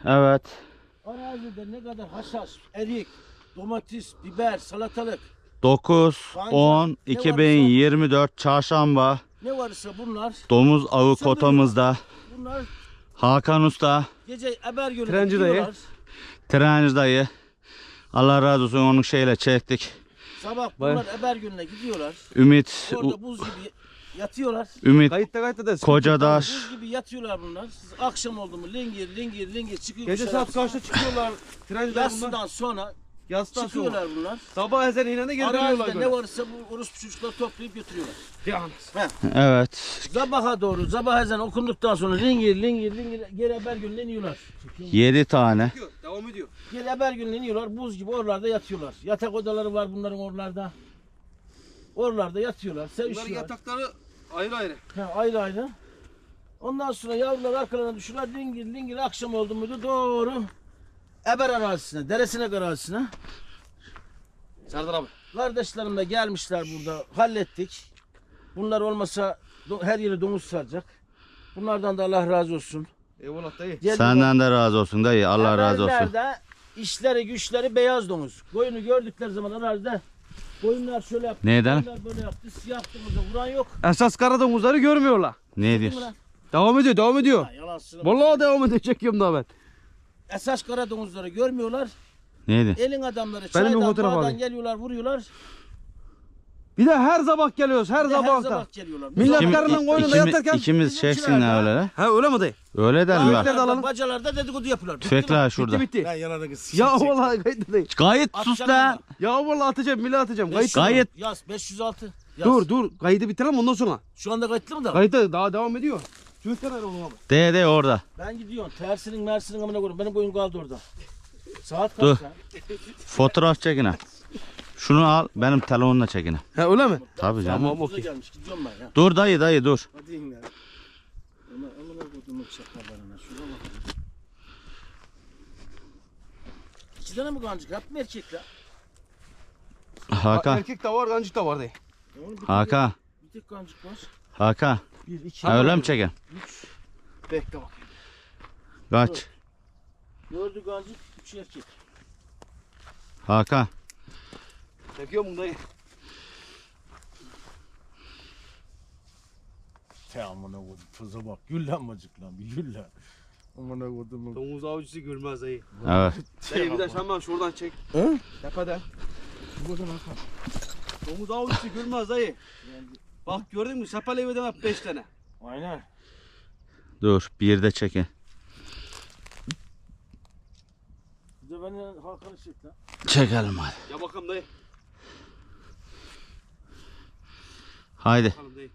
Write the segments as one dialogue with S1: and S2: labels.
S1: Evet.
S2: Arazide ne kadar haşhaş, erik, domates, biber, salatalık
S1: 9-10-2024 çarşamba.
S2: ne varsa bunlar.
S1: Domuz avı kotamızda.
S2: Bunlar
S1: Hakan Usta,
S2: gece Ebergöl'e
S3: Trenci dayı.
S2: gidiyorlar.
S1: Trenci dayı. Allah razı olsun, onun şeyle çektik.
S2: Sabah bunlar Ebergöl'e gidiyorlar.
S1: Ümit,
S2: Orada buz gibi yatıyorlar.
S1: Ümit
S3: Kayıtta da.
S1: Kocadaş.
S2: Buz gibi yatıyorlar bunlar. Akşam oldu mu lingir çıkıyor.
S3: Gece saat kaçta çıkıyorlar? Trenciler bunlar.
S2: Yatsıdan sonra
S3: Yastan sonra.
S2: çıkıyorlar bunlar.
S3: Sabah ezen inene geri dönüyorlar
S2: Arazide
S3: böyle.
S2: ne varsa bu orospu çocuklar toplayıp götürüyorlar.
S1: Evet.
S2: Sabaha doğru, sabah ezan okunduktan sonra lingir geri Ebergöl'e iniyorlar.
S1: 7 tane.
S3: Devam ediyor.
S2: Geri Ebergöl'e iniyorlar, buz gibi oralarda yatıyorlar. Yatak odaları var bunların oralarda. Oralarda yatıyorlar,
S3: Bunların
S2: sevişiyorlar.
S3: yatakları ayrı ayrı.
S2: Ayrı ayrı. Ondan sonra yavrular arkalarına düşüyorlar, lingir akşam oldu muydu doğru Eber arazisine, Deresinek arazisine.
S3: Serdar abi.
S2: Kardeşlerim de gelmişler burada, hallettik. Bunlar olmasa her yeri domuz saracak. Bunlardan da Allah razı olsun.
S3: Eyvallah dayı.
S2: Geldiler.
S1: Senden de razı olsun dayı. Allah razı olsun.
S2: Eberlerde işleri güçleri beyaz domuz. Koyunu gördükleri zaman arazide koyunlar şöyle yaptı.
S1: Neden?
S2: Koyunlar böyle yaptı. Siyah domuza vuran yok.
S3: Esas kara domuzları görmüyorlar.
S1: Ne
S2: Değil mi
S1: diyorsun?
S2: lan?
S3: Devam ediyor.
S2: Ha, yalan söyleme.
S3: Vallahi devam ediyor. Çekiyorum daha ben.
S2: Esas kara domuzları görmüyorlar.
S1: Neydi?
S2: Elin adamları
S3: Benim bir
S2: çaydan
S3: fotoğraf
S2: bağdan
S3: alayım.
S2: geliyorlar vuruyorlar.
S3: Bir de her sabah geliyoruz. Her
S2: Bir de
S3: sabah.
S2: her sabah geliyorlar.
S3: Millet
S2: Bizim-
S3: karının koynunda yatarken.
S1: ikimiz çeksin ha öyle.
S3: Ha öyle mi dayı?
S1: Öyle derim
S3: Tüfekler
S1: ben.
S3: de alalım.
S2: Bacalarda dedikodu yapıyorlar. Bitti
S1: Tüfekler
S2: mi?
S1: şurada.
S3: Bitti.
S2: Ben yalanı kız.
S3: Ya vallahi kayıt dayı.
S1: Gayet sus
S2: Atacağım
S1: lan.
S3: Ya vallahi atacağım. Millet atacağım. Kayıt.
S1: Gayet.
S2: Yaz 506. Yaz.
S3: Dur. Kaydı bitirelim ondan sonra.
S2: Şu anda kayıtlı mı da?
S3: Kayıt daha devam ediyor. Tüfekler ayrı oğlum abi.
S1: De orada.
S2: Ben gidiyorum. Tersinin mersinin amına koyayım. Benim boyum kaldı orada. Saat
S1: Dur.
S2: kaç ya?
S1: Fotoğraf çekine. Şunu al, benim telefonla çekine.
S3: Ha öyle mi?
S1: Tabii canım.
S3: Tamam
S2: Buza
S3: okey.
S2: gelmiş. Gidiyorum ben ya.
S1: Dur dayı dur.
S2: Hadi in ya. Amına koyduğumun şakalarına. Şuna bak. 2 tane mi kancık? Hep mi erkekler?
S1: Hakan.
S3: Erkek de var, kancık da var dayı.
S2: Ya oğlum bir
S1: Hakan.
S2: tek- Bir tek kancık var.
S1: Hakan.
S2: 1, 2,
S1: Ha, öyle mi çeken?
S3: Bekle bak.
S1: Kaç?
S2: 4'ü kancık, 3 erkek.
S1: Hakan.
S3: Çekiyor mu dayı?
S2: Te amına koydum. Tuza bak. Gül lan bacık lan. Bir gül lan. Amına koydum.
S3: Domuz avcısı gülmez dayı.
S1: Evet.
S3: Dayı bir de hemen şuradan çek.
S2: He?
S3: Tepeden.
S2: Buradan Hakan.
S3: Domuz avcısı gülmez dayı. Bak gördün mü? Sepaleyi ödem hep 5 tane.
S2: Aynen.
S1: Dur, bir de çekin.
S2: Bir de beni Hakan'ı çek lan.
S1: Çekelim hadi.
S3: Ya bakalım dayı.
S1: Haydi.
S3: Bakalım dayı.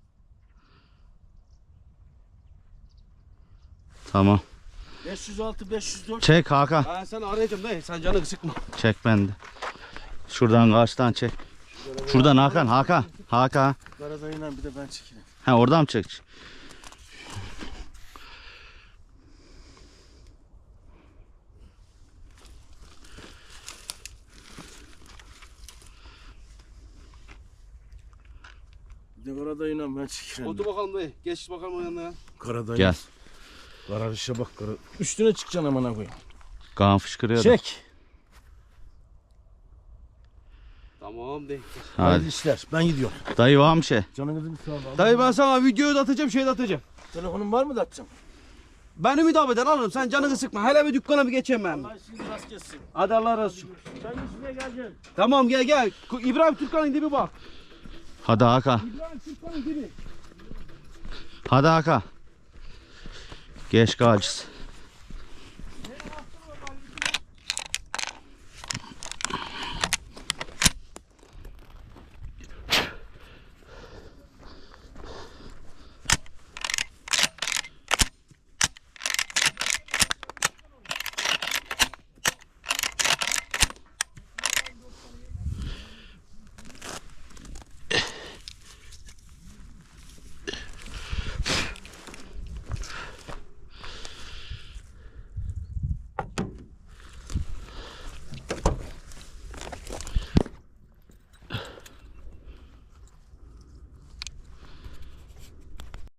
S1: Tamam.
S2: 506, 504.
S1: Çek Hakan.
S3: Ben seni arayacağım dayı. Sen canını sıkma.
S1: Çek bende. Şuradan karşıdan çek. Şuradan Hakan. Hakan.
S2: Karadayıyla bir de ben çekeyim.
S1: Ha, oradan mı çek?
S2: Bir de karadayıyla ben çekeyim.
S3: Otur bakalım dayı. Geç bakalım o yanına ya.
S2: Karadayı.
S1: Gel.
S2: Kararışa bak. Üstüne çıkacaksın amına koyayım.
S1: Kan fışkırıyor da.
S2: Çek.
S3: Tamam dayı.
S2: Hadi
S1: Hadi.
S2: işler. Ben gidiyorum.
S1: Dayı var mı şey?
S2: Canınızı bir sağ olun.
S3: Dayı ben sana videoyu da atacağım, şey de atacağım.
S2: Telefonun var mı da atacağım?
S3: Ben Ümit abiden alırım. Sen canını sıkma. Hele bir dükkana bir geçeyim ben.
S2: Allah şimdi rast gelsin.
S3: Hadi Allah razı olsun.
S2: Sen üstüne geleceksin.
S3: Tamam gel. İbrahim Türkan'ın dibi bak.
S1: Hadi Hakan.
S3: İbrahim Türkan'ın dibi.
S1: Hadi Hakan. Geç kalacağız.